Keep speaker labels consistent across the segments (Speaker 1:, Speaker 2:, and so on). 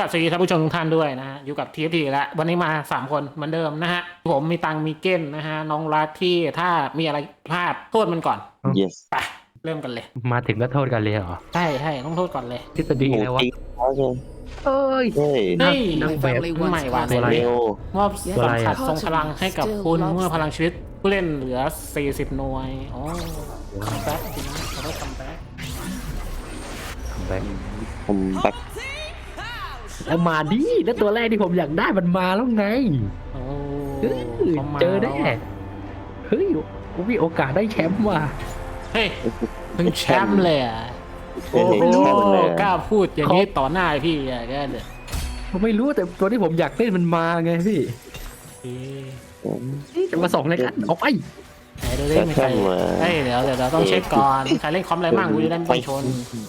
Speaker 1: กับสวัสดีท่านผู้ชมทุกท่านด้วยนะฮะอยู่กับ TFT แล้ววันนี้มา3คนเหมือนเดิมนะฮะผมมีตังมีเก้นนะฮะน้องรักที่ถ้ามีอะไรพลาดโทษมันก่อน
Speaker 2: yes
Speaker 1: ไปเริ่มกันเลย
Speaker 3: มาถึงก็โทษกันเลยเหรอ
Speaker 1: ใช่ต้องโทษก่อนเลย
Speaker 3: ทฤษฎีแล้ววะ
Speaker 2: โอเค
Speaker 3: เอ้ย
Speaker 2: เฮ้ย
Speaker 1: เฮ้ย
Speaker 3: นักแบบ
Speaker 1: ใหม่หวาน
Speaker 3: ตัวอะไร
Speaker 2: เร็ว
Speaker 1: มอบ
Speaker 3: ตัว
Speaker 1: สั
Speaker 3: อะไร
Speaker 1: ม
Speaker 3: อะ
Speaker 1: ผัสทรงพลังให้กับคุณเมื่อพลังชีวิตผู้เล่นเหลือ40หน่วยอ๋อคัมแบ็กจริงนะเขาได้คัมแบ็ก
Speaker 3: แบงค์
Speaker 2: ผมแบ็ค
Speaker 3: เอามาดิแล้วตัวแรกที่ผมอยากได้มันมาแล้วไง
Speaker 1: โอ้
Speaker 3: เออ
Speaker 1: ขามา
Speaker 3: เจอแน่
Speaker 1: ล้วะ
Speaker 3: เฮ้ยผมมีโอกาสได้แชมป์ว่ะ
Speaker 1: เฮ้ยเพิ่งแชมป์เลยอ่ะ
Speaker 2: โอ้
Speaker 1: โอ้
Speaker 2: โห
Speaker 1: โห
Speaker 2: แชมป์เลย
Speaker 1: กล้าพูดอย่างนี้ต่อหน้าพี่อ่ะแกเด้อ
Speaker 3: ผมไม่รู้แต่ตัวที่ผมอยากเล่นมันมาไงพี่จะมาส่องอะไรกันออกไป
Speaker 1: ไหนดูดิมีใครเฮ้ยเดี๋ยวเราต้องเช็คก่อนใครเล่นคอมอะไรบ้างกูจะได้ไม่ชน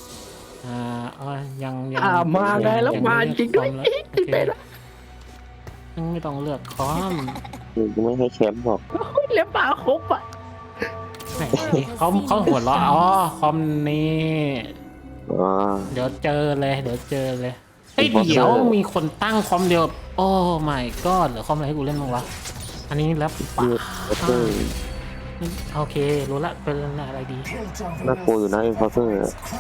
Speaker 1: ยัง
Speaker 3: มาไงแล้วมาจริงด้วย
Speaker 1: โอเคไม่ต้องเลือกคอม
Speaker 2: กูไม่ให้แชมป์หรอก
Speaker 3: เล็บปลาครบอ่ะ
Speaker 1: ไหนเขาหัวเราะอ๋อคอมนี้
Speaker 2: อ๋อ
Speaker 1: เดี๋ยวเจอเลยเฮ้ยเดี๋ยวมีคนตั้งคอมเดียวโอ้ my god เหลือคอมอะไรให้กูเล่นบ้างวะอันนี้แล้วป่ะ
Speaker 2: เฮ้ย
Speaker 1: โอเครู้ละเป็นอะไรดี
Speaker 2: น่ากลัวอยู่นะอินฟอร์เซอร์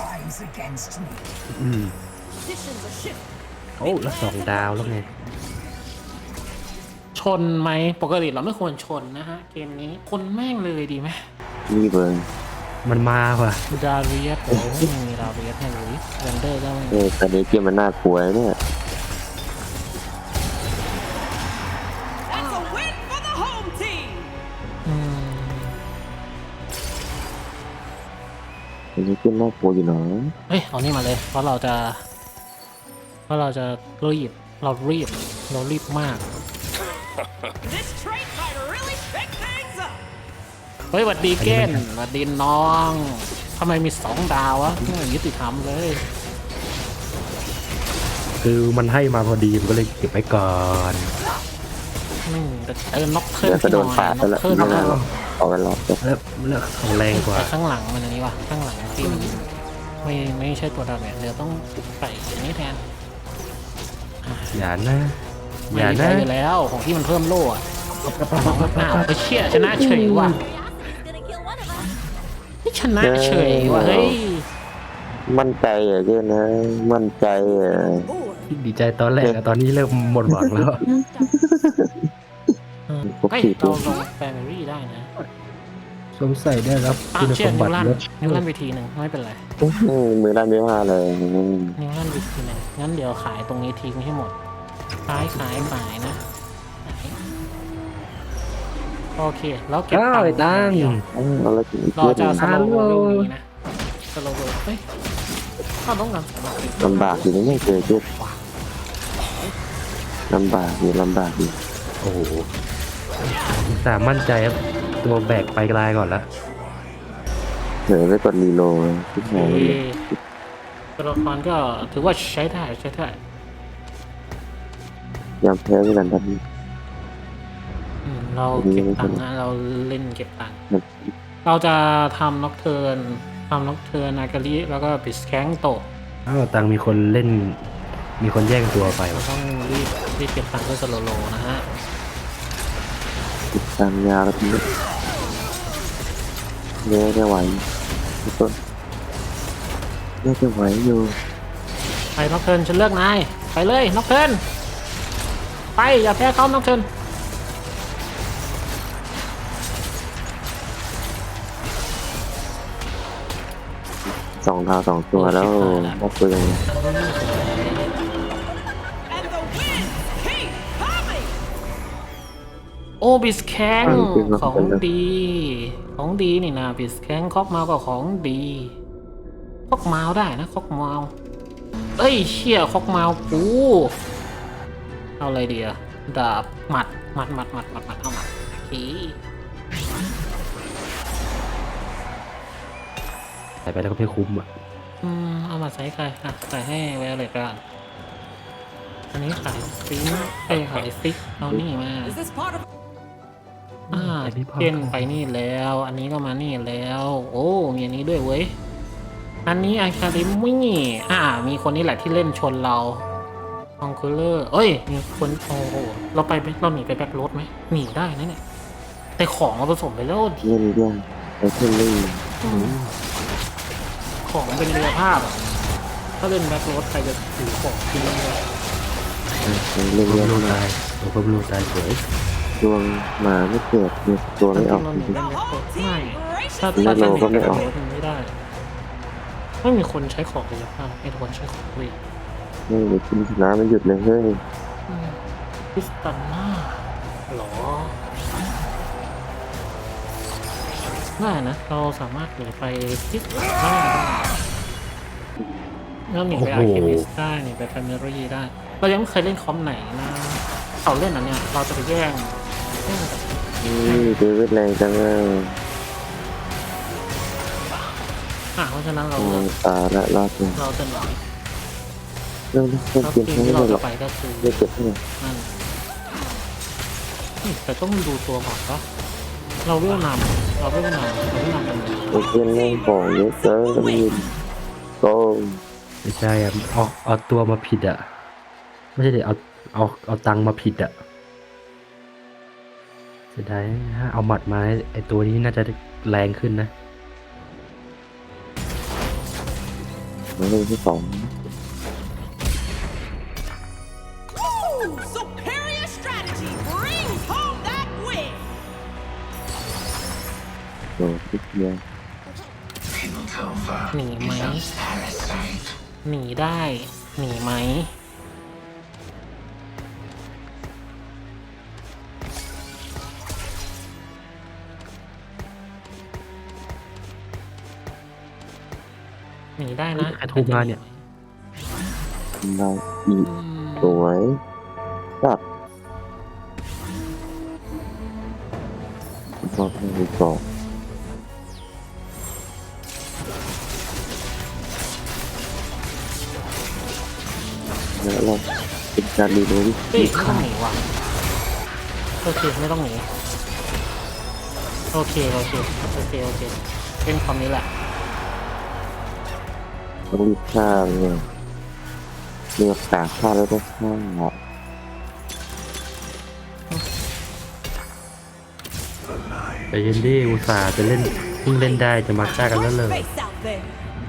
Speaker 3: อืมโอ้แล้ว2 ดาวแล้วไง
Speaker 1: ชนไหมปกติเราไม่ควรชนนะฮะเกมนี้คนแม่งเลยดีไหม
Speaker 2: รีบเลย
Speaker 3: มันมาว่ะ
Speaker 1: ดาเรียสโอ้ไม่มีดาเรียสให้เลยเรนเดอร์ก็ไม่มี
Speaker 2: ตอนนี้เกมมันน่ากลัวเนี่ย
Speaker 4: That's a win for the home team.
Speaker 1: อืม
Speaker 2: ตอนนี้เกมน่ากลัวอยู่เนาะ
Speaker 1: เฮ้ยเอานี่มาเลยเพราะเราจะรีบมาก
Speaker 4: This trait might really pick things up.
Speaker 1: เฮ้ยหวัดดีเก้นหวัดดีน้องทำไมมี2 ดาววะไม่ยุติธรรมเลย
Speaker 3: คือมันให้มาพอดีผมก็เลยเก็บไว้ก่อน
Speaker 1: แต่น็อกเคิร์
Speaker 2: เดี๋ยวจะโดน
Speaker 1: น็
Speaker 2: ปาด
Speaker 1: อ
Speaker 2: แล้ว
Speaker 1: ก
Speaker 2: ล่ะ
Speaker 1: เคิร์
Speaker 2: ไม่น่าหรอกเอากันหรอก
Speaker 3: แล้วของแรงกว่า
Speaker 1: แต่ข้างหลังมันอันนี้วะข้างหลังที่มันไม่ใช่ตัวดาเมจเดี๋ยวต้องใส่อย่างนี้แทน
Speaker 3: อย่านะ
Speaker 1: ไม่
Speaker 3: อย่า
Speaker 1: มี
Speaker 3: นะ
Speaker 1: ใช้อยู่แล้วของที่มันเพิ่มโล่อะอ้าวไปเชี่ยชนะเฉยว่ะนี่ชนะเฉยว่ะเฮ้ย
Speaker 2: มั่นใจอ่ะเกมนะมั่นใจอ่ะ
Speaker 3: ดีใจตอนแรกอะตอนนี้เริ่มหมดหวังแล้ว
Speaker 1: เฮ้ยเราลงแฟมิลี่ได้นะ
Speaker 3: สงสัยได้รับ
Speaker 1: อ้าว
Speaker 3: คุณ
Speaker 1: เชี่
Speaker 3: ส
Speaker 1: ย
Speaker 3: ม
Speaker 1: นิ
Speaker 3: บั
Speaker 1: ว
Speaker 3: ติ
Speaker 1: ลั่น
Speaker 3: ลด
Speaker 1: นิวลั่นไปทีหนึ่งไม่เป็นไร
Speaker 2: มือด้านไม่ว่าเลย
Speaker 1: นิวลั่นไปทีหนึ่งงั้นเดี๋ยวขายตรงนี้ทิ้งให้หมดขายนะโอเคแล้วเก็บ
Speaker 3: อ้าวไอ้ตัง
Speaker 2: อะไรถึง
Speaker 1: เราจะส
Speaker 3: ฮั
Speaker 1: โล
Speaker 3: ลโหล
Speaker 1: ว์เรื่องนี้นะสโลว์เฮ้ยถ้าต้องการสโลว์
Speaker 2: ลำบากอยู่นะเนี่ยเจอเจ็บลำบากอยู่
Speaker 3: โอ้โหสามมั่นใจครับตัวแบกไปไกลก่อนแล้ว
Speaker 2: เดี๋ยวไปกดรีโหลดที่ไหน
Speaker 1: ตัวละครก็ถือว่าใช้ได้
Speaker 2: ยอมแพ้ด้วยกันทันที
Speaker 1: เราเก็บตังค์นะเราเล่นเก็บตังค์เราจะทำน็อกเทิร์นอาการิแล้วก็ปิสแข้งโต
Speaker 3: อ้าวตังมีคนเล่น มีคนแย่งตัวไป
Speaker 1: เรา
Speaker 3: วะ
Speaker 1: ต้องรีบเก็บตังค์เพื่อสโลว์นะฮะ
Speaker 2: ติดตามยาแล้วทีนี้เนี่ยจะไหวทุกคนน่าจะไหวอยู่
Speaker 1: ไปน็อกเทิร์นฉันเลือกนายไปเลยน็อกเทิร์นไปอย่าแพ้เขาน็อกเทิร์น
Speaker 2: 2 ดาว 2 ตัวแล้วน่ากลัวยัง
Speaker 4: And the wins keep coming.
Speaker 1: โอ้บิสแข้งของดีนี่นะบิสแข้งคอกเมาก็ของดีคอกเมาได้นะคอกเมาเอ้ยเชี่ยคอกเมากูเอาอะไรดีอะดาบหมัดเอาหมัดโอเค
Speaker 3: ใส่ไปแล้วก็ไม่คุ้มอ่ะ
Speaker 1: เอามาใส่ใครอ่ะใส่ให้แวร์เลยกันอันนี้ขายซิงขายซิกเอานี่มา
Speaker 4: Is this part of
Speaker 1: เก้นไปนี่แล้ว อันนี้ก็มานี่แล้ว โอ้มีอันนี้ด้วยเว้ยอันนี้อาคาเดมี่มีคนนี้แหละที่เล่นชนเราคองคูลเลอร์เอ้ยมีคนโอ้โหเราไปไหมเราหนีไปแบ็คโรดไหมหนีได้นะเนี่ยแต่ของเราผสมไปแล้ว
Speaker 2: เล่นยากไอ้เท่นลี่
Speaker 1: ของเป็นเรือภาพอะถ้าเล่นแบ็คโรดใครจะถือของกินเลย
Speaker 2: เล่น
Speaker 3: เพิ่
Speaker 2: ยาม ก
Speaker 3: รู
Speaker 2: มา
Speaker 3: ตายโอ้เพิ่มรูตายสวย
Speaker 2: ดวงหมาไม่เกิดมีตัวไม่ออก
Speaker 1: เราหนี
Speaker 2: จริง
Speaker 1: เล่นแบ็คโรดไม่
Speaker 4: Gracious
Speaker 1: ถ้า
Speaker 2: ไม่
Speaker 1: ถ้า
Speaker 2: โลก็ไม่ออก
Speaker 1: แบ็คโรดมันไม่ได้ไม่มีคนใช้ของกายภาพไม่มีคนใช้ของเวท
Speaker 2: ไม่เดี๋ยวกินชนะไม่หยุดเลยเฮ้ย
Speaker 1: พิสตันน่าหรอได้นะเราสามารถหนีไปพิสตันน่าได้เราหนีไปอาร์เคมิสได้หนีไปแฟมิลี่ได้เรายังไม่เคยเล่นคอมไหนนะเขาเล่นอันเนี้ยเราจะไปแย่งกับ
Speaker 2: นี่เดวิดแรงจังเลย
Speaker 1: เพราะฉะนั้นเรา
Speaker 2: โอ้
Speaker 1: เลือก
Speaker 2: ตาละรอดเลย
Speaker 1: เราจะหนี
Speaker 2: เรื่อง
Speaker 1: แล้ว
Speaker 2: เกม
Speaker 1: ทีม
Speaker 2: ไม่
Speaker 1: ที่
Speaker 2: ได้
Speaker 1: เรา
Speaker 2: หร
Speaker 1: จะ
Speaker 2: อก
Speaker 1: ไปก็คือ
Speaker 2: ไม่เก็บเท่าไหร่
Speaker 1: นั่นนี่แต่ต้องดูตัวก่อนปะเราเวลนำเราเวลนำกันเลย
Speaker 2: ไอ้เพื่อนเล่นของเยอะเกินแล้วมันโกง
Speaker 3: ไม่ใช่อ่ะเอาตัวมาผิดอ่ะไม่ใช่เดี๋ยวเอาตังค์มาผิดอ่ะเสียดายถ้าเอาหมัดมาไอตัวนี้น่าจะแรงขึ้นนะ
Speaker 2: มันเล่นที่สอง
Speaker 4: Ooh, superior strategy brings home that win.
Speaker 2: โดดที่เดียว
Speaker 1: หนีไหมหนีได้หนีไหมหนีได้นะ
Speaker 3: ใครโทรมาเนี่ย
Speaker 2: เราอีกสวยจับก็ไม่ต่อแล้วเราเป็นการรีโหลด
Speaker 1: เฮ้ยไม่ต้องหนีว่ะโอเคไม่ต้องหนีโอเคเป็นคำนี้แหละ
Speaker 2: ต้องรีบฆ่าเนี่ยเลือกกาฆ่าแล้วก็ฆ่า
Speaker 3: แต่เย็นดี้อุตส่าห์จะเล่นเพิ่งเล่นได้จะมาฆ่ากันแล้วเลย
Speaker 4: Face out there.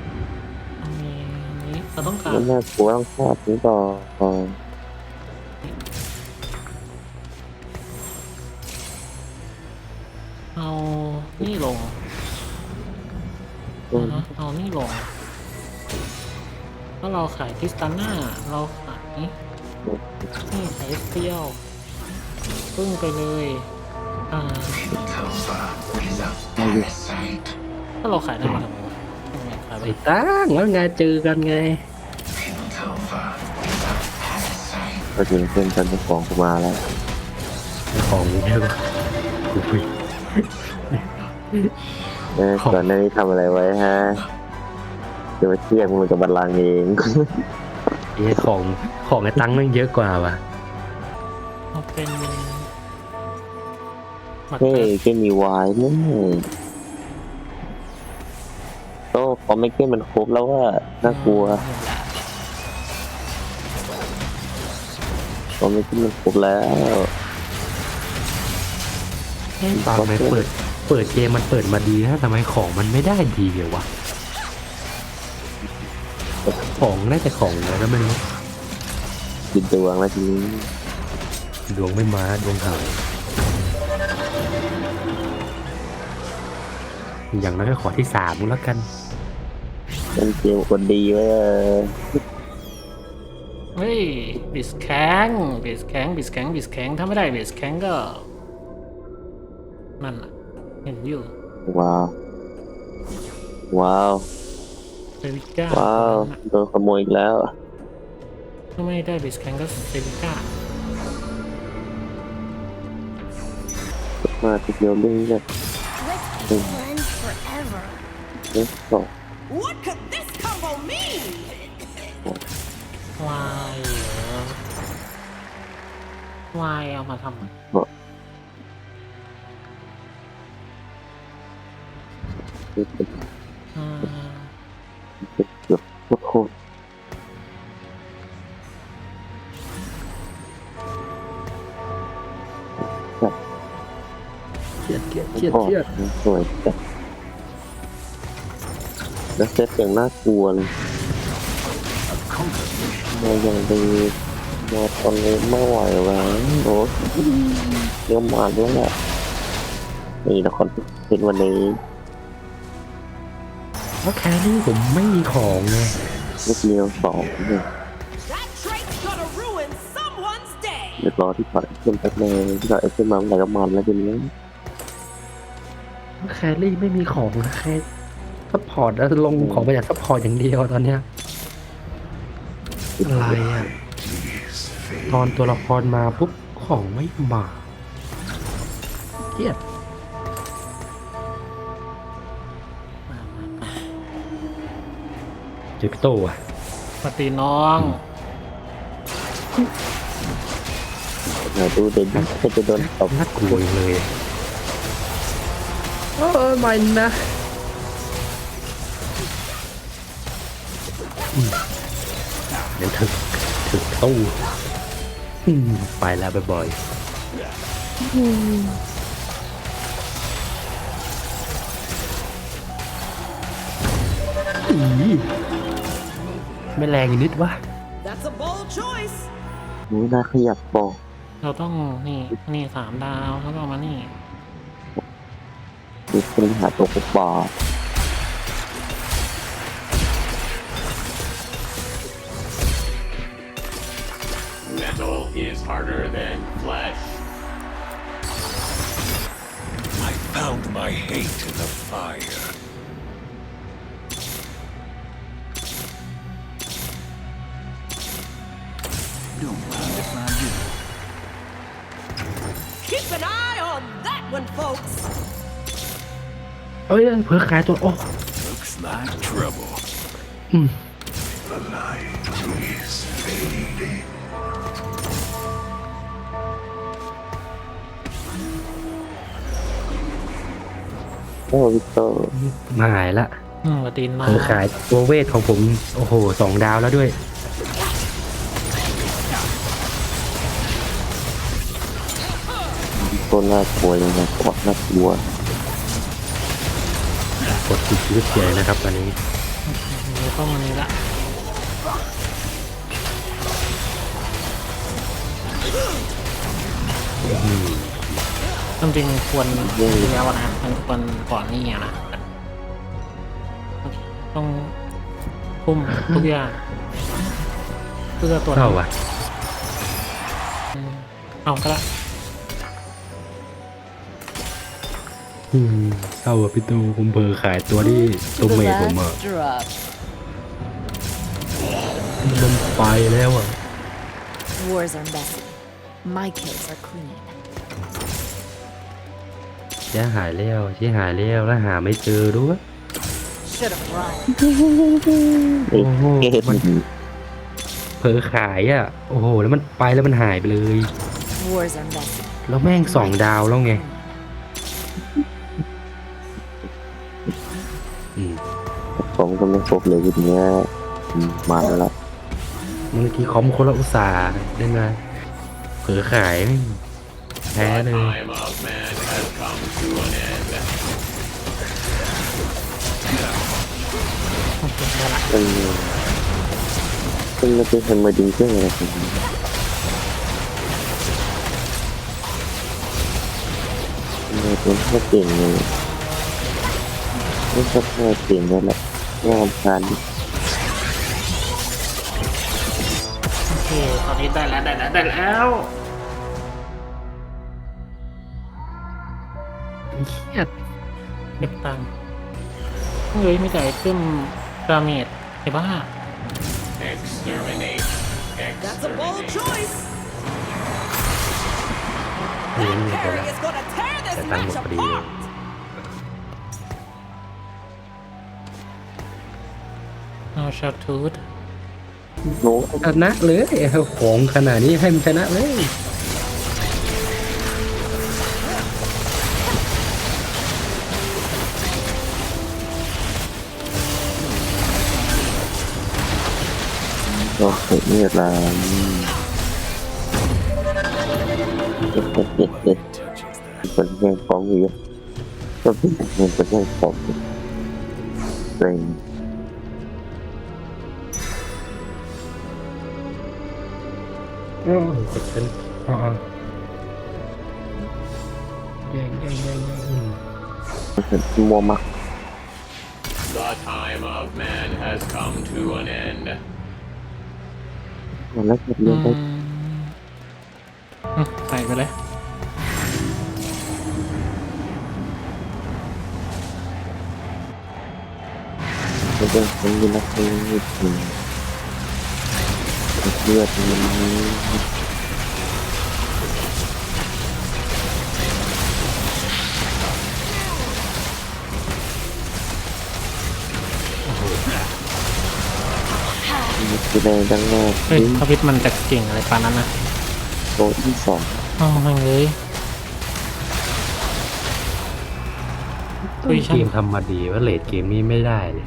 Speaker 1: นี้เราต้องการ
Speaker 2: แล้วน่ากลัวต้องฆ่าถึงต่อ
Speaker 1: เอานี่ลงเอานี่ลงถ้าเราขายทิสตาน่าเราขายนี่ขายเปรี้ยวปึ้งไปเลยถ้าเราขายได้ไหมทำไมขายไป
Speaker 3: ไอ้ตั้งแล้วไงเจอกันไง
Speaker 2: ก็จริงเพื่อนกันเจ้าของกูมาแล้ว
Speaker 3: ของเยอะกูไป
Speaker 2: ก่อนหน้านี้ทำอะไรไว้ฮะเดี๋ยวมาเทียบมันกับบัลลังก์เอง
Speaker 3: ไอ้ของไอ้ตั้งนั่งเยอะกว่าว่ะ
Speaker 1: เอาเป็นหมัด
Speaker 2: เฮ้ย
Speaker 1: เตะ
Speaker 2: เกมมีวายเนี่ยโต้พอไม่เกมมันครบแล้วว่าน่ากลัวพอไม่เกมมันครบแล้ว
Speaker 3: ตอนไหนเปิดเกมมันเปิดมาดีนะทำไมของมันไม่ได้ดีเลยวะของน่าจะของอะไรก็ไม่รู้
Speaker 2: กินตัวแล้วทีนี้
Speaker 3: ดวงไม่มาดวงหายอย่างน้อยก็ขอที่3แล้วกัน
Speaker 2: เป็นเกมคนดีไว้เออ
Speaker 1: เฮ้ยบิสแข็งถ้าไม่ได้บิสแข็งก็นั่นน่ะเห็นอยู่
Speaker 2: ว้าวว้าว
Speaker 1: เซวิก้า
Speaker 2: ว้าวโดนขโมยอีกแล้ว
Speaker 1: ถ้าไม่ได้บิสแข็งก็เซวิก้า
Speaker 2: มาทีเดียวเรื่องเนี่ย
Speaker 5: Let's be friends forever.
Speaker 2: เอ๊ะต่อ
Speaker 4: What could this combo mean?
Speaker 1: วายเหรอวายเอามาทำ อ่า
Speaker 2: เกือบโคตร
Speaker 3: เชียด
Speaker 2: โอ้
Speaker 3: เชียด
Speaker 2: สวยจัดแล้วเซตอย่างน่ากลัวเลยมาอย่างดีมาตอนนี้ไม่ไหวแล้วโอ้เดี๋ยวมาด้วยแหละนี่ละครเป็นวันนี้
Speaker 3: เพราะแครี่ผมไม่มีของไง
Speaker 2: เมื่อกี้เราสองเนี่ย
Speaker 4: That trait's gonna ruin someone's day.
Speaker 2: เดี๋ยวรอที่ถอดเครื่องแป๊บนึงที่ถอดเครื่องมาเมื่อไหร่ก็มันแล้วทีนี้
Speaker 3: แครี่ไม่มีของนะแค่ซัพพอร์ตแล้วลงของไปจากซัพพอร์ตอย่างเดียวตอนเนี้ยอะไรอ่ะตอนตัวละครมาปุ๊บของไม่มาเครียดเจอพี่โตอ่ะ
Speaker 1: ปฏิน้อง
Speaker 2: เราดูเด่นก็จะโดนตบ
Speaker 3: น่ากลัวเลยไม่นะเดี๋ยวถึงตู้ไปแล้วบ่อยๆไม่แรงอีกนิดวะ
Speaker 4: That's a bold choice.
Speaker 2: นี่น่าขยับบอก
Speaker 1: เราต้องนี่3 ดาวแล้วก็มานี่
Speaker 2: มีคนหาตัวกบอ
Speaker 6: Metal is harder than flesh.
Speaker 7: I found my hate in the fire. Don't mind if I do.
Speaker 4: Keep an eye on that one, folks.
Speaker 3: เอ้ยเผื่อขายตัวโอ้
Speaker 7: Looks like trouble.
Speaker 3: อืม
Speaker 7: The light is fading.
Speaker 2: โอ้วิโต
Speaker 3: มาหายละ
Speaker 1: ปฏิน้อ
Speaker 3: เผื่อง ขายตัวเวทของผม โอ้โห2 ดาวแล้วด้วย
Speaker 2: วิโตน่ากลัวยังไงกดน่ากลัว
Speaker 3: กดติดชีวิตใหญ่นะครับตอนนี้
Speaker 1: เราต้องมานี่ละจริงๆควรแล้วนะมันควรก่อนนี่นะต้องพุ่มทุกอย่างเพื่อตัว
Speaker 3: เข้าว่ะ
Speaker 1: เอาก็ละ
Speaker 3: เข้าว่ะพี่ตูผมเบอร์ขายตัวที่ตัวเมย์ผมอ่ะ
Speaker 4: drop.
Speaker 3: มันไปแล้วอ่ะ
Speaker 5: Wars are messy. My kills are clean.
Speaker 3: เสียหายแล้วแล้วหาไม่เจอด้วย
Speaker 5: Should have run.
Speaker 2: ไอ้เกต
Speaker 3: มันเผลอขายอ่ะ โอ้โห แล้วมันไปแล้วมันหายไปเลย
Speaker 5: Wars are messy.
Speaker 3: แล้วแม่ง2 ดาวแล้วไง
Speaker 2: ผมก็ไม่ครบเลยทีเนี้ยมาแล้ว
Speaker 3: เมื่อกี้คอมคนละอุตสาห์ได้ไงเผลอขายแม่งแพ้เลย
Speaker 6: Time of man has come to an end.
Speaker 2: ซึ่งไม่เป็นคนมาดึงเครื่องอะไรผมไม่เป็นแค่เก่งเลยไม่ใช่แค่เก่งนั่นแหละงานการ
Speaker 1: โอเคตอนนี้ได้แล้ว
Speaker 3: เครียด
Speaker 1: เก็บตังค์เฮ้ยไม่จ่ายขึ้นดาเมจไอ้บ้า
Speaker 6: Exterminate.
Speaker 4: That's a bold
Speaker 6: Exterminate.
Speaker 4: choice.
Speaker 3: เลี้ยง
Speaker 4: That
Speaker 3: เลยไป
Speaker 4: parry
Speaker 3: แล้ว
Speaker 4: is gonna tear
Speaker 3: แต่
Speaker 4: this
Speaker 3: ตังค์หม
Speaker 4: match
Speaker 3: ดพอดีเลย
Speaker 4: apart.
Speaker 1: เอาชาทูด
Speaker 2: โน้
Speaker 3: ชนะเลยของขนาดนี้ให้มันชนะเลย
Speaker 2: ก็เกิดเนี่ยละเจ็ดคนแย่งของอยู่ก็มันเป็นเรื่องของเอง
Speaker 3: กดเป็นอ๋อแย่ง
Speaker 2: มัวมาก
Speaker 6: The time of man has come to an end.
Speaker 2: มันแล้วก็เรื่องได้
Speaker 1: ใส่ไปเลย
Speaker 2: มันเป็นคนมีนักเรียนจริงเลือดมันคือในดังแรก
Speaker 1: เฮ้ยพระพิษมันจะเก่งอะไรปานนั้นนะ
Speaker 2: โต๊ะที่สอง
Speaker 1: อ้าวแม่งเลยคุย
Speaker 3: เก
Speaker 1: ช่าง
Speaker 3: มทำมาดีว่าเลดเกมนี้ไม่ได้เลย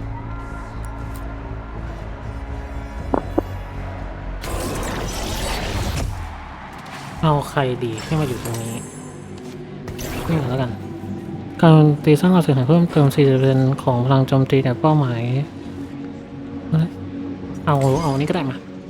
Speaker 1: เอาใครดีให้มาอยู่ตรงนี้นี่แล้วกัน การตีสร้างความเสียหายเพิ่มเติม 40% ของพลังโจมตีแต่เป้าหมายเอานี้ก็ได้มา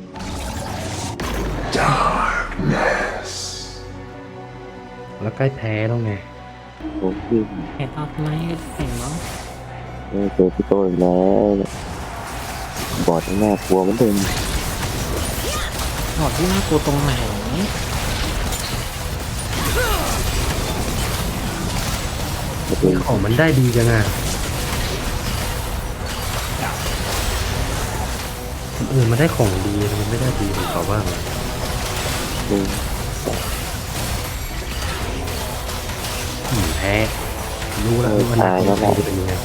Speaker 3: แล้วใกล้แพ้แล้วไง
Speaker 2: โต๊ะที่
Speaker 1: เห็นเอาไหมก็เห็นมั้ง
Speaker 2: เจอพี่โตอีกแล้วบอดหน้ากลัวเหมือนเดิม
Speaker 1: หอดที่น่ากลัวตรงไหน
Speaker 3: ของมันได้ดีจังอ่ะคนอื่นมันได้ของดีมันไม่ได้ดีเหมือนเขาบ้างอะ
Speaker 2: ดู
Speaker 3: แพ้รู้แล้วว่ามันจะเป็นยังไง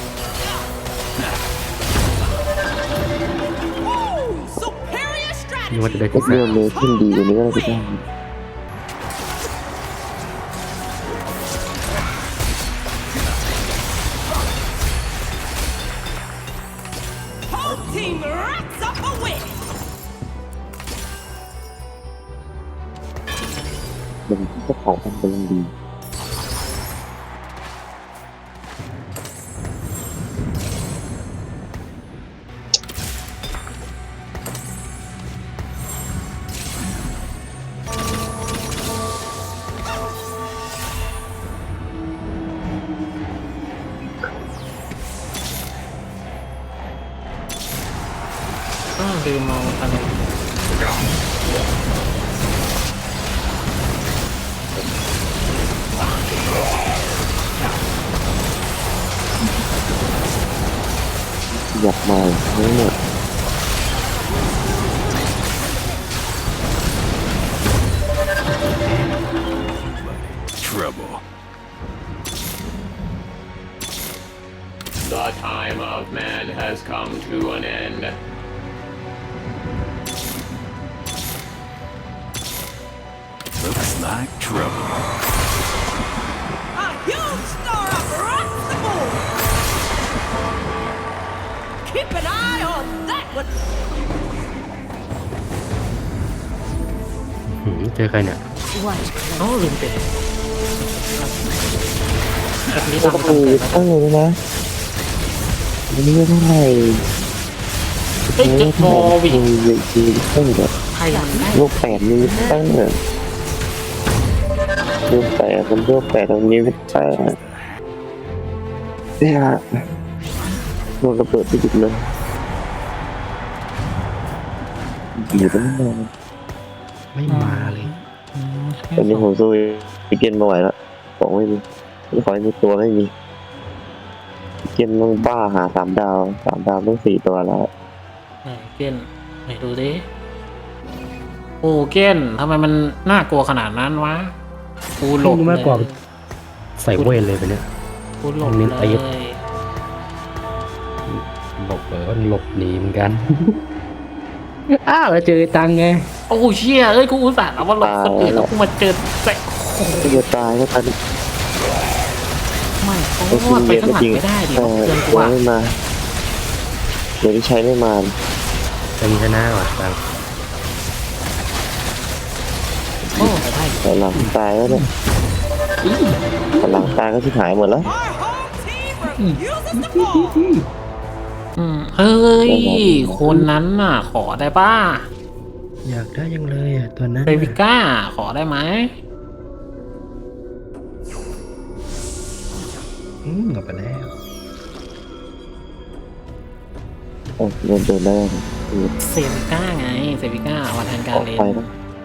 Speaker 4: Superior
Speaker 3: นี่ว่า
Speaker 4: strategy.
Speaker 3: จะได้
Speaker 2: ก็
Speaker 3: ที่
Speaker 2: เรื่องนี้ขึ้นดีกว่านี้ก็ได้พี่ต้า
Speaker 4: Whole team racks up a win.
Speaker 2: เป็นเจ้าของมันเป็นดี
Speaker 1: ลืมมองอันนี้
Speaker 2: อยากมาทั้งหมด
Speaker 7: Trouble.
Speaker 6: The time of man has come to an end.
Speaker 7: Looks like trouble.
Speaker 4: A huge star up rocks the board. Keep an eye on that one.
Speaker 3: เจอใครเนี่ย
Speaker 5: Watch
Speaker 1: อ๋อ
Speaker 5: close.
Speaker 1: ลืมไปแบบนี้
Speaker 2: ก็
Speaker 1: ทำ
Speaker 2: ต้อง
Speaker 1: ทำ
Speaker 2: มี
Speaker 1: เสร็จแล้ว
Speaker 2: ตั้งเลยนะมันไม่เท่าไหร่
Speaker 1: เฮ้ยจะโมวิ
Speaker 2: มีตั้งแบบ
Speaker 1: ใครมันได้
Speaker 2: รูปแปดมีตั้งแบบรูปแปดมันรูปแปดตรงนี้ไม่แปดเนี่ยโดนระเบิดไปหยุดเลยอยู่ตั้งนาน
Speaker 3: ไม่มาเลย
Speaker 2: ตอนนี้ผมสู้อีเกนไม่ไหวแล้วของไม่มีขอให้มีตัวไม่มีอีเกนต้องบ้าหา3 ดาวต้อง4 ตัวแล้ว
Speaker 1: ไหนเก้นไหนดูดิโอ้เก้นทำไมมันน่ากลัวขนาดนั้นวะกูหลบ
Speaker 3: รู้
Speaker 1: เล
Speaker 3: มากกว่า
Speaker 1: ย
Speaker 3: ใส่เวทเลยไปเนี่ย
Speaker 1: กูหลบ
Speaker 3: เน้น
Speaker 1: เล
Speaker 3: ตี
Speaker 1: ย
Speaker 3: บอกเลยว่าหลบหนีเหมือนกัน อ้าวแล้วเจอตังไง
Speaker 1: โอ้เชี่ยเอ้ยกูอุตส่าห์เอาว่าหลบคนอื่นแล้วกูมาเจอแสะโอ้โห
Speaker 2: ก็จะตายก็ตาย
Speaker 1: ไม่เขาว่าไปข้างหลังไม่ได้ดิ
Speaker 2: แต่
Speaker 1: เพื่อนกู
Speaker 2: ตัว
Speaker 1: อะ
Speaker 2: ไม่มาเดี๋ยวที่ใช้ไม่มา
Speaker 3: จะมีชนะว่ะตัง
Speaker 1: โอ้ไปได้
Speaker 2: แต่หลังตายแล้วเนี่ยแต่หลังตายก็ที่หายหมดแล้ว
Speaker 4: Our home Uses the ball.
Speaker 1: เฮ้ย คนนั้นน่ะ ขอได้ป่ะ
Speaker 3: อยากได้ยังเลยอ่ะตัวนั้น
Speaker 1: เซวิก้า ขอได้ไหม
Speaker 3: เอาไปแล้ว
Speaker 2: เดินได้
Speaker 1: เซวิก้าไง เซวิก้าวันแทนการ
Speaker 2: ออก
Speaker 1: เลน
Speaker 2: ไปนะ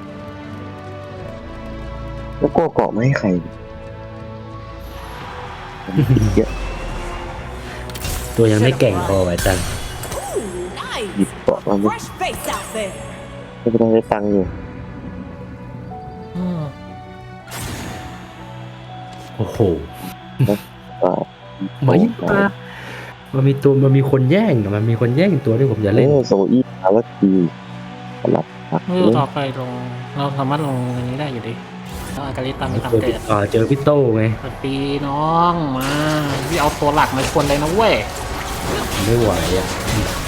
Speaker 2: แล้วก็เกาะไม่ให้ใครเยอะ
Speaker 3: ตัวยังไม่แก่งพอไว้จัง
Speaker 2: หยิบ
Speaker 4: Nice.
Speaker 2: เกาะมาไม่
Speaker 4: Fresh face out there.
Speaker 2: ได้ตังค์อยู่
Speaker 1: อืม
Speaker 3: โอ้โห
Speaker 2: ก็
Speaker 3: ไม่มามันมีคนแย่งอะมันมีคนแย่งตัวที่ผมจะเล่น
Speaker 2: โซอี้อาร์ทีสลับผัก
Speaker 1: เมื่อต่อไปลง เราสามารถลงอันนี้ได้อยู่ดิแล้วอากาลิตามไปตามเกิด
Speaker 3: เจอพี่โต้ไง
Speaker 1: สวัสดีน้องมาพี่เอาตัวหลักมาชนเลยนะเว้ย
Speaker 3: ไม่ไหวอ่ะ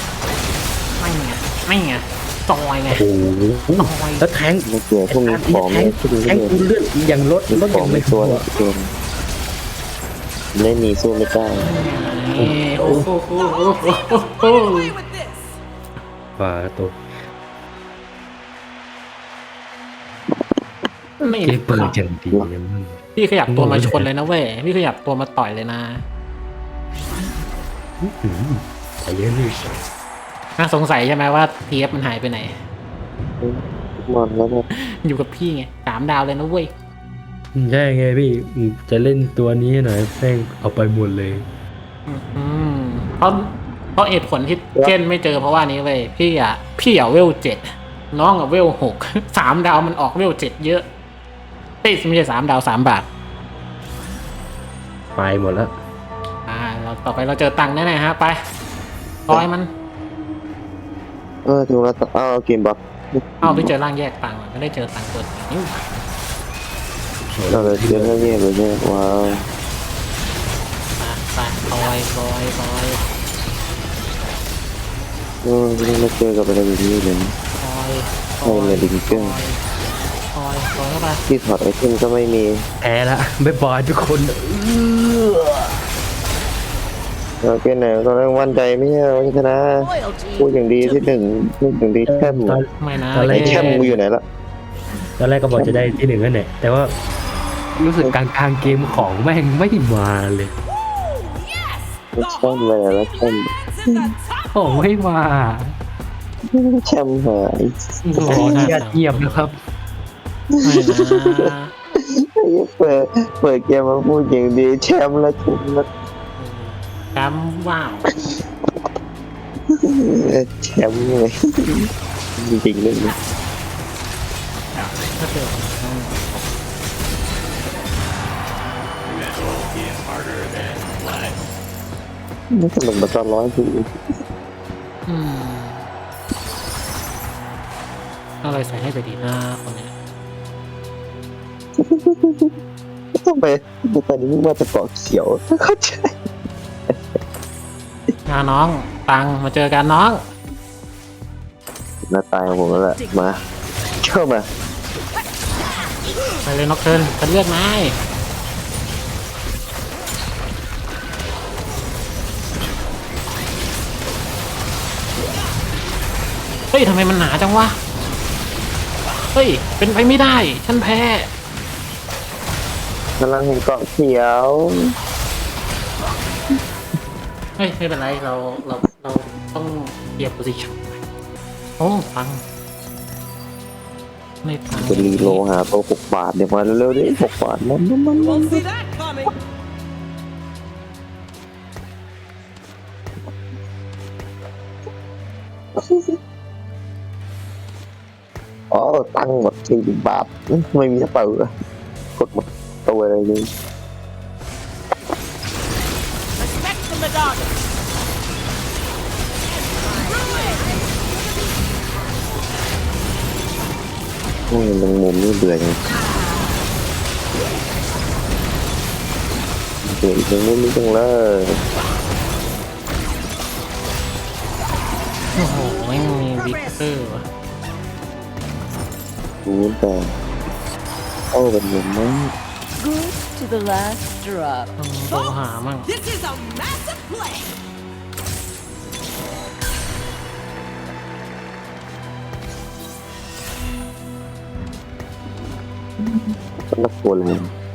Speaker 1: ไม่ไงจอยไง
Speaker 3: โอ้โหแล้วแทง
Speaker 2: ไม่เกี่ยวพวกนี้ของ
Speaker 3: แท
Speaker 2: ไม่
Speaker 3: ง
Speaker 2: พวกนี้
Speaker 3: แทงกูเลือดยังลด
Speaker 2: ข
Speaker 3: ยั
Speaker 2: อง
Speaker 3: ไม่
Speaker 2: ไม่
Speaker 3: พ
Speaker 2: ตัว
Speaker 3: อ
Speaker 2: เกินไม่มีสู้ไม่ได้
Speaker 1: โอ้โห
Speaker 4: Away with this.
Speaker 3: ฝ่าตัว
Speaker 1: ไม่
Speaker 3: เกมเปิดจังดีนะมึง
Speaker 1: พี่ขยับตัวมาชนเลยนะเว้ยพี่ขยับตัวมาต่อยเลยนะ
Speaker 3: ไปเยอะนี่
Speaker 1: น่าสงสัยใช่ไหมว่าเทียบมันหายไปไหน
Speaker 2: มันแล้วเนี่ย
Speaker 1: อยู่กับพี่ไง3 ดาวเลยนะเว้ย
Speaker 3: ใช่ไงพี่จะเล่นตัวนี้หน่อยแม่งเอาไปหมดเลย
Speaker 1: อืมเพราะเหตุผลที่เจนไม่เจอเพราะว่านี้เว้ยพี่อ่ะเวล7น้องอะเวล6 3 ดาวมันออกเวล7เยอะไม่ใช่3 ดาว3 บาท
Speaker 3: ไปหมดแล้ว
Speaker 1: เราต่อไปเราเจอตังค์แน่ๆฮะไปร้อยมัน
Speaker 2: ถึงแล้วเอาเกมบัก
Speaker 1: ไปเจอร่างแยกตังค์ไม่ได้เจอตังค์ตัวนี้
Speaker 2: เราเลยเจอเรื่องนี้เลยเนี่ยว้าว
Speaker 1: ไปคอย
Speaker 2: ไม่เจอกับอะไรแบบนี้เลย
Speaker 1: คอย
Speaker 2: ใช่เลยดิงเกอร์
Speaker 1: คอยเข้าไป
Speaker 2: ที่ถอดไอเทมก็ไม่มี
Speaker 3: แพ้ละบ๊ายบายทุกคน
Speaker 2: เราเป็นไหนตอนแรกมั่นใจไม่ใช่ว่าจะชนะ
Speaker 4: Loyalty.
Speaker 2: พูดอย่างดีที่หนึ่งพูดอย่างดีแค่ม
Speaker 1: ไม่นะ
Speaker 3: ตอนแร
Speaker 2: ไอ้
Speaker 3: ก
Speaker 2: แค่มกูอยู่ไหนละ
Speaker 3: ตอนแรกก็บอกจะได้ที่1นั่นแหละแต่ว่ารู้สึกกลางเกมของแม่งไม่มาเลย
Speaker 4: Yes.
Speaker 2: แช่มเลยแล้วแช่ม
Speaker 4: It's in the top.
Speaker 3: ของไม่มา
Speaker 2: แช่มหาย
Speaker 1: โอ้โหน่า
Speaker 3: เงียบนะครับ
Speaker 1: ไม่นะ
Speaker 2: เปิดเกมมาพูดอย่างดีแชมป์แล้วถูกแล้ว
Speaker 1: จำว้าว
Speaker 2: แชมป์เลยจริงๆเลย
Speaker 1: ก็คือ
Speaker 6: Metal is harder than lead.
Speaker 2: นี่สนุกมาตอนร้อยที
Speaker 1: อะไรใส่ให้ไปดีนะคนเนี้ย
Speaker 2: ทำไมตอนนี้ว่าจะเกาะเขียวเข้าใจ
Speaker 1: น้องตังมาเจอกันน้อง
Speaker 2: หน้าตายของผมแล้วแหละมาเข้ามา
Speaker 1: ไปเลยน็อกเทิร์นจะเลือกไม้เฮ้ยทำไมมันหนาจังวะเฮ้ยเป็นไปไม่ได้ฉันแพ้
Speaker 2: กำลังเห็นเกาะเขียว
Speaker 1: เฮ้ยไม่เป็นไรเราต้องเทียบโพซิชั่นโอ้ตังไม่ตัง
Speaker 2: จะรีโลหาตัว6 บาทเดี๋ยวมาเร็วๆดิ6 บาทมัน
Speaker 4: Won't see that coming.
Speaker 2: อ๋อตั้งหมด40 บาทไม่มีกระเป๋ากดหมดตัวอะไรเลย
Speaker 4: Respect the Madonna.
Speaker 2: โอ้ยแมงมุมนี่เบื่อจังเบื่อแมงมุมนี่จังเลย
Speaker 1: โอ้โหไม่มีวิกเตอร์วะ
Speaker 2: ดูแต่โอ้เป็นมุมมั้ง
Speaker 5: Good to the last drop.
Speaker 1: โทรหามั่ง
Speaker 4: This is a massive play.
Speaker 2: นักกลัวเลย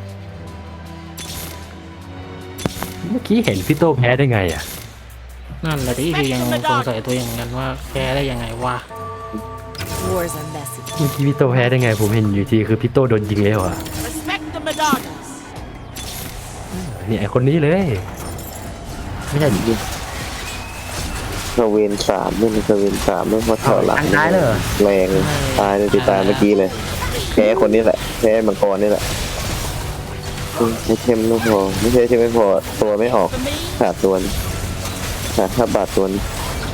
Speaker 3: เมื่อกี้เห็นพี่โตแพ้ได้ไงอ่ะ
Speaker 1: นั่นแหละที่พี่ยังสงสัยตัวเองเหมือนกันว่าแพ้ได้ยังไงวะ
Speaker 5: Wars are messy.
Speaker 3: เมื่อกี้พี่โตแพ้ได้ไง ผมเห็นอยู่ทีคือพี่โตโดนยิงแล้วอ่ะ
Speaker 4: Respect the Madonnas.
Speaker 3: นี่ไอคนนี้เลย ไม่ใช่
Speaker 2: เซเวนสามไม่มีเซเวนสามไม่พอแถวหลัง
Speaker 3: ตายเลยเหรอ
Speaker 2: แรงตายเลยติดตายเมื่อกี้เลยแพ้คนนี้แหละแพ้มังกรนี่แหละไอเทมไม่พอไม่ใช่ไอเทมไม่พอตัวไม่ออก
Speaker 4: For me,
Speaker 2: ขาดตัวนี้ขาดค่าบาทตัวนี้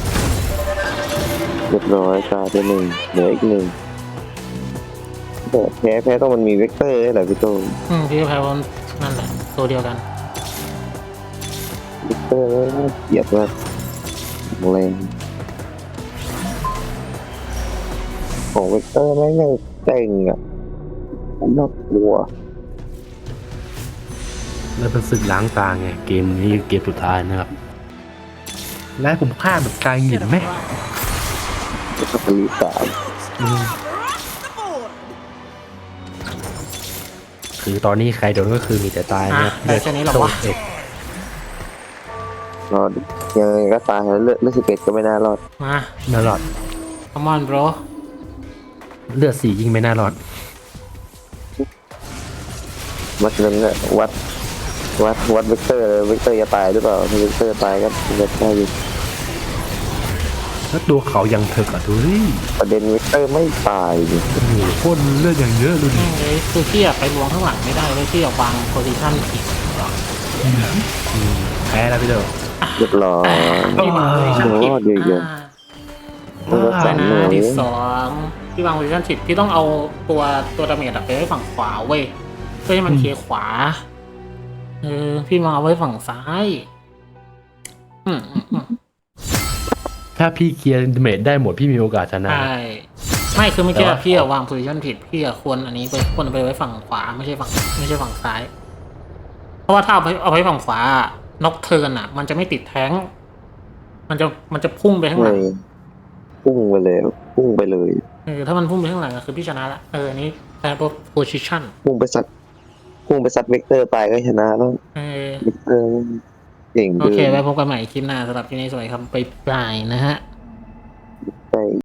Speaker 2: เรียบร้อยตายไปหนึ่งเหลืออีกหนึ่งแต่แพ้ต้องมันมีเวกเตอร์ให้แหละพี่โต
Speaker 1: พี่ก็แพ้เพราะนั่นแหละตัวเดียวกัน
Speaker 2: เวกเตอร์น่าเกลียดมากแรงของเวกเตอร์แม่งยังเต่งอ่ะน่ากลัว
Speaker 3: แล้วเป็นศึกล้างตาไง เกมนี้เกมสุดท้ายนะครับ และผมพลาดแบบกายหงินไหม
Speaker 2: แล้วก็ผลิตสาม
Speaker 4: across the board.
Speaker 3: คือตอนนี้ใครโดนก็คือมีแต่ตายนะครับ
Speaker 1: ได้แค่นี้หรอวะ
Speaker 3: เอ็ด
Speaker 2: รอดยังไงก็ตายแล้วเลือด11ก็ไม่น่ารอด
Speaker 1: มา
Speaker 3: น่ารอด
Speaker 1: come on bro
Speaker 3: เลือด4ยิ่งไม่น่ารอด
Speaker 2: วัดนั้นแหละวัดเวกเตอร์เลยเวกเตอร์จะตายหรือเปล่าถ้าเวกเตอร์ตายก็จะได้อยู่
Speaker 3: แล้วตัวเขายังเถึกอ่ะดูดิ
Speaker 2: ประเด็นเวกเตอร์ไม่ตายดิ
Speaker 3: โอ้โหโคตรเลือดอย่างเยอะดูดิ
Speaker 1: เอ้ยคือพี่อะไปลวงข้างหลังไม่ได้เลยพี่อะวางโพซิชั่นผิด
Speaker 3: แพ้แล้วพี่เด้อ
Speaker 2: เรียบร้อย
Speaker 1: พี่วางโพซิชั่นผิด
Speaker 2: รอดอยู่เยอะ มันก็
Speaker 1: ใช่
Speaker 2: สั่น
Speaker 1: นะ
Speaker 2: เลย
Speaker 1: ที่สองพี่วางโพซิชั่นผิดพี่ต้องเอาตัวดาเมจอะไปไว้ฝั่งขวาเว้ยเพื่อให้มันเคลียร์ขวาพี่วางเอาไว้ฝั่งซ้ายอืม
Speaker 3: ถ้าพี่เคลียร์เมจได้หมดพี่มีโอกาสชนะ
Speaker 1: ใช่ไม่คือเมื่อกี้
Speaker 3: แต่ว่า
Speaker 1: พี่อะวางโพซิชันผิดพี่อะควรอันนี้ไปควรเอาไปไว้ฝั่งขวาไม่ใช่ฝั่งซ้าย เพราะว่าถ้าเอาไว้ฝั่งขวานกเทิร์นอะมันจะไม่ติดแท้งมันจะพุ่งไปข้างห
Speaker 2: ไม่
Speaker 1: ลัง
Speaker 2: พุ่งไปเลย
Speaker 1: ถ้ามันพุ่งไปข้างหลังก็คือพี่ชนะละอันนี้แพ้โพซิชัน
Speaker 2: พุ่งไปซัดเวกเตอร์ตายก็ชนะแล้วเวกเตอร์เก่ง
Speaker 1: โอ
Speaker 2: เกิ
Speaker 1: เคน ไว้พบกันใหม่คลิปหน้าสำหรับที่นี้สวัสดีครับไปปลายนะฮะ
Speaker 2: ไป